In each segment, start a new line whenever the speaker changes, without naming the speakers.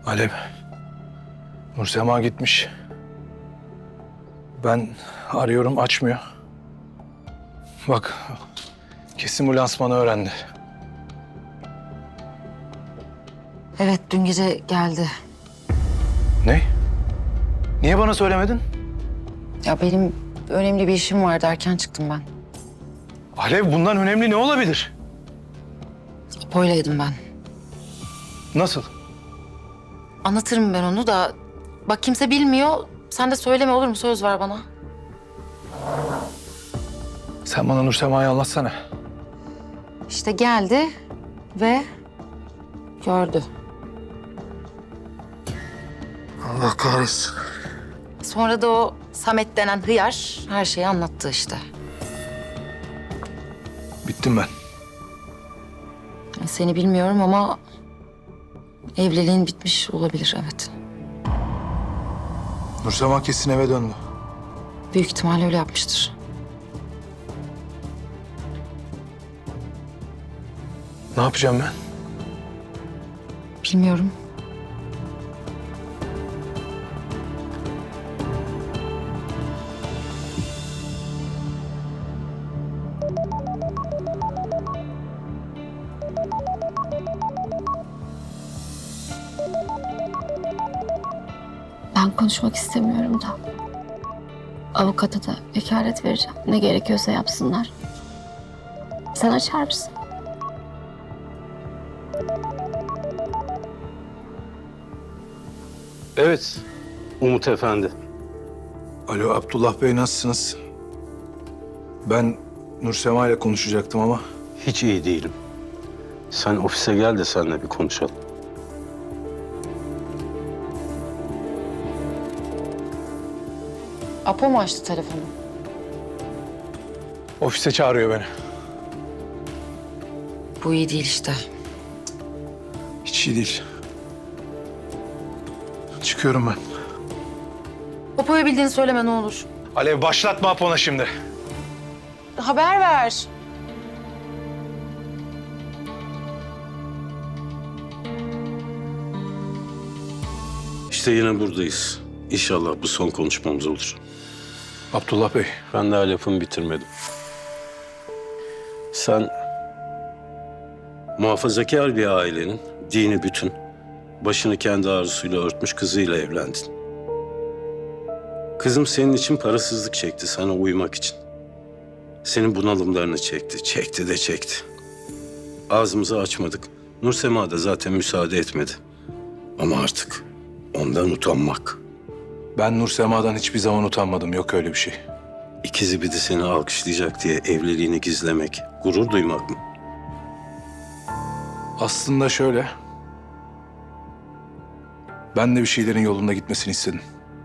Alev, Nursema gitmiş. Ben arıyorum, açmıyor. Bak, kesin bu lansmanı öğrendi.
Evet, dün gece geldi.
Ne? Niye bana söylemedin?
Ya benim önemli bir işim vardı, erken çıktım ben.
Alev, bundan önemli ne olabilir?
Apo'ylaydım ben.
Nasıl?
Anlatırım ben onu da. Bak kimse bilmiyor. Sen de söyleme, olur mu? Söz ver bana.
Sen bana Nursema'yı anlatsana.
İşte geldi ve gördü.
Allah kahretsin.
Sonra da o Samet denen hıyar her şeyi anlattı işte.
Bittim ben.
Seni bilmiyorum ama evliliğin bitmiş olabilir, evet.
Nursema kesin eve döndü.
Büyük ihtimalle öyle yapmıştır.
Ne yapacağım ben?
Bilmiyorum.
Ben konuşmak istemiyorum da. Avukata da vekalet vereceğim. Ne gerekiyorsa yapsınlar. Sen açar mısın?
Evet, Umut Efendi.
Alo, Abdullah Bey, nasılsınız? Ben Nursema ile konuşacaktım ama...
Hiç iyi değilim. Sen ofise gel de seninle bir konuşalım.
Apo mu açtı telefonu?
Ofise çağırıyor beni.
Bu iyi değil işte.
Hiç iyi değil. Çıkıyorum ben.
Apo'ya bildiğini söyleme ne olur.
Alev, başlatma Apo'na şimdi.
Haber ver.
İşte yine buradayız. İnşallah bu son konuşmamız olur.
Abdullah Bey,
Ben daha lafımı bitirmedim. Sen muhafazakar bir ailenin dini bütün, başını kendi arzusuyla örtmüş kızıyla evlendin. Kızım senin için parasızlık çekti sana uymak için. Senin bunalımlarını çekti, çekti de çekti. Ağzımızı açmadık. Nursema da zaten müsaade etmedi. Ama artık ondan utanmak.
ben Nursema'dan hiçbir zaman utanmadım. Yok öyle bir şey.
İkizi bir de seni alkışlayacak diye evliliğini gizlemek, gurur duymak mı?
Aslında şöyle... Ben de bir şeylerin yolunda gitmesini istedim.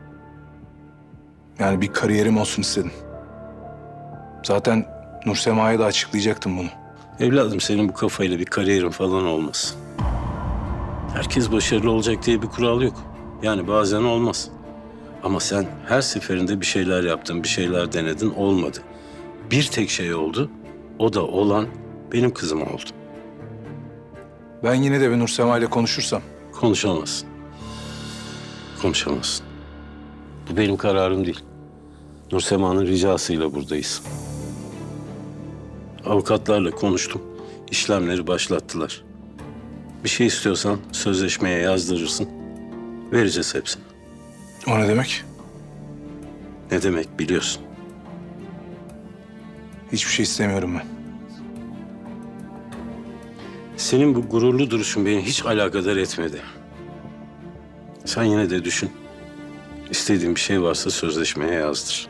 Yani bir kariyerim olsun istedim. Zaten Nursema'ya da açıklayacaktım bunu.
Evladım senin bu kafayla bir kariyerin falan olmaz. Herkes başarılı olacak diye bir kural yok. Yani bazen olmaz. Ama sen her seferinde bir şeyler yaptın, bir şeyler denedin, olmadı. Bir tek şey oldu, o da olan benim kızım oldu.
Ben yine de bir Nursema ile konuşursam...
Konuşamazsın. Konuşamazsın. Bu benim kararım değil. Nursema'nın ricasıyla buradayız. Avukatlarla konuştum. İşlemleri başlattılar. Bir şey istiyorsan sözleşmeye yazdırırsın. Vereceğiz hepsini.
O ne demek?
Ne demek biliyorsun.
Hiçbir şey istemiyorum ben.
Senin bu gururlu duruşun beni hiç alakadar etmedi. Sen yine de düşün. İstediğin bir şey varsa sözleşmeye yazdır.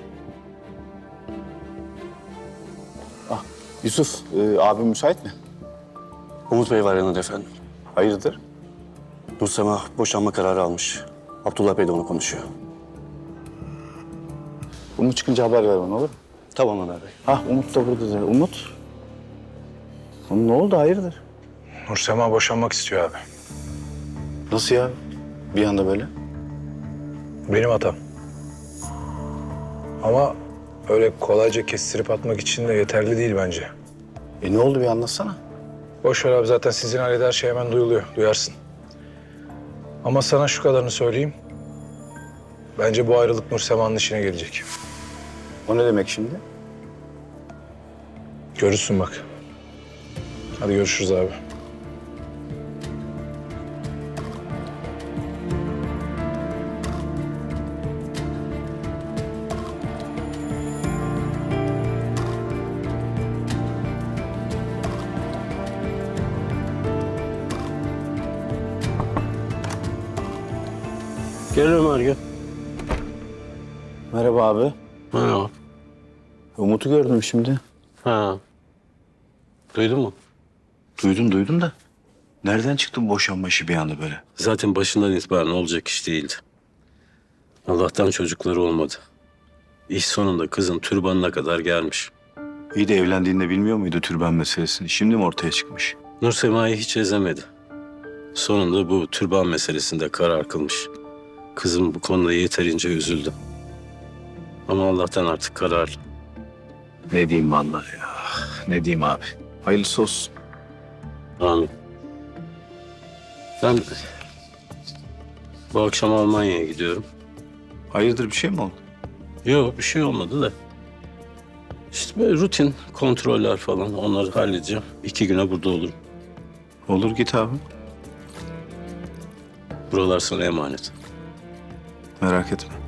Yusuf, abim müsait mi?
Umut Bey var yanında efendim.
Hayırdır?
Nursema boşanma kararı almış. Abdullah Bey de onu konuşuyor.
Umut çıkınca haber ver bana olur mu?
Tamam Ömer Bey.
Umut da burada da. Umut? Oğlum ne oldu hayırdır?
Nursema boşanmak istiyor abi.
Nasıl ya? Bir anda böyle.
Benim hatam. Ama öyle kolayca kestirip atmak için de yeterli değil bence.
Ne oldu bir anlatsana.
Boş ver abi, zaten sizin ailede her şey hemen duyuluyor. Duyarsın. Ama sana şu kadarını söyleyeyim. Bence bu ayrılık Nursema'nın işine gelecek.
O ne demek şimdi?
Görürsün bak. Hadi görüşürüz abi.
Gel Ömer gel.
Merhaba abi.
Merhaba.
Umut'u gördüm şimdi.
Ha. Duydun mu?
Duydum da. Nereden çıktı bu boşanma işi bir anda böyle?
Zaten başından itibaren olacak iş değildi. Allah'tan çocukları olmadı. İş sonunda kızın türbanına kadar gelmiş.
İyi de evlendiğinde bilmiyor muydu türban meselesini? Şimdi mi ortaya çıkmış?
Nursema'yı hiç ezemedi. Sonunda bu türban meselesinde karar kılmış. Kızım bu konuda yeterince üzüldü. Ama Allah'tan artık kararlı.
Ne diyeyim vallahi ya. Ne diyeyim abi. Hayırlısı olsun.
Amin. Ben bu akşam Almanya'ya gidiyorum.
Hayırdır bir şey mi oldu?
Yok bir şey olmadı da. İşte böyle rutin kontroller falan onları halledeceğim. 2 güne burada olurum.
Olur git abi.
Buralar sana emanet.
Merak etme.